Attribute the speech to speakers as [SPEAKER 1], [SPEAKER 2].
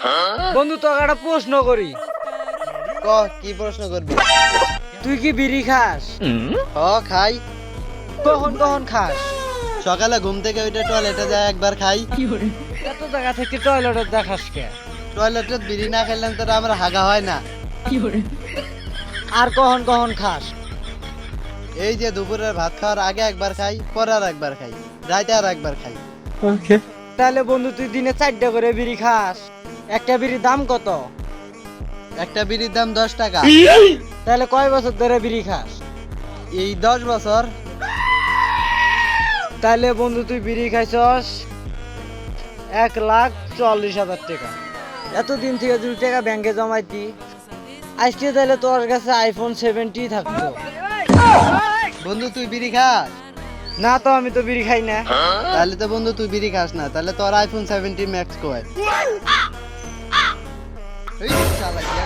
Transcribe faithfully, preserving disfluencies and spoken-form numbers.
[SPEAKER 1] বন্ধু তোকে একটা প্রশ্ন করি।
[SPEAKER 2] ক কি প্রশ্ন করবি?
[SPEAKER 1] তুই কি বিড়ি খাস?
[SPEAKER 2] হ খাই।
[SPEAKER 1] কখন কখন খাস?
[SPEAKER 2] সকালে ঘুম থেকে ওইটা টয়লেটে যায় একবার খাই।
[SPEAKER 1] এত জায়গা থেকে টয়লেটের দেখাস কে?
[SPEAKER 2] টয়লেটে বিড়ি না খেলাম তো আমার হাগা হয় না।
[SPEAKER 1] আর কখন কখন খাস?
[SPEAKER 2] এই যে দুপুরের ভাত খাওয়ার আগে একবার খাই, পরে আর একবার খাই, রাতে আর একবার খাই।
[SPEAKER 1] তাহলে বন্ধু তুই দিনে চারটা করে বিড়ি খাস, একটা বিড়ির দাম কত?
[SPEAKER 2] একটা বিড়ির দাম দশ টাকা।
[SPEAKER 1] তাহলে কয় বছর ধরে বিড়ি খাস?
[SPEAKER 2] এই দশ বছর।
[SPEAKER 1] তাহলে বন্ধু তুই বিড়ি খাইছস এক লাখ চল্লিশ হাজার টাকা। এতদিন থেকে দুই টাকা ব্যাংকে জমাইতি, আজকে তাহলে তোর কাছে আইফোন সেভেন্টি থাকতো।
[SPEAKER 2] বন্ধু তুই বিড়ি খাস?
[SPEAKER 1] না তো, আমি তো বিড়ি খাই না।
[SPEAKER 2] তাহলে তো বন্ধু তুই বিড়ি খাস না, তাহলে তোর আইফোন সেভেন্টি ম্যাক্স কয়। এই শালা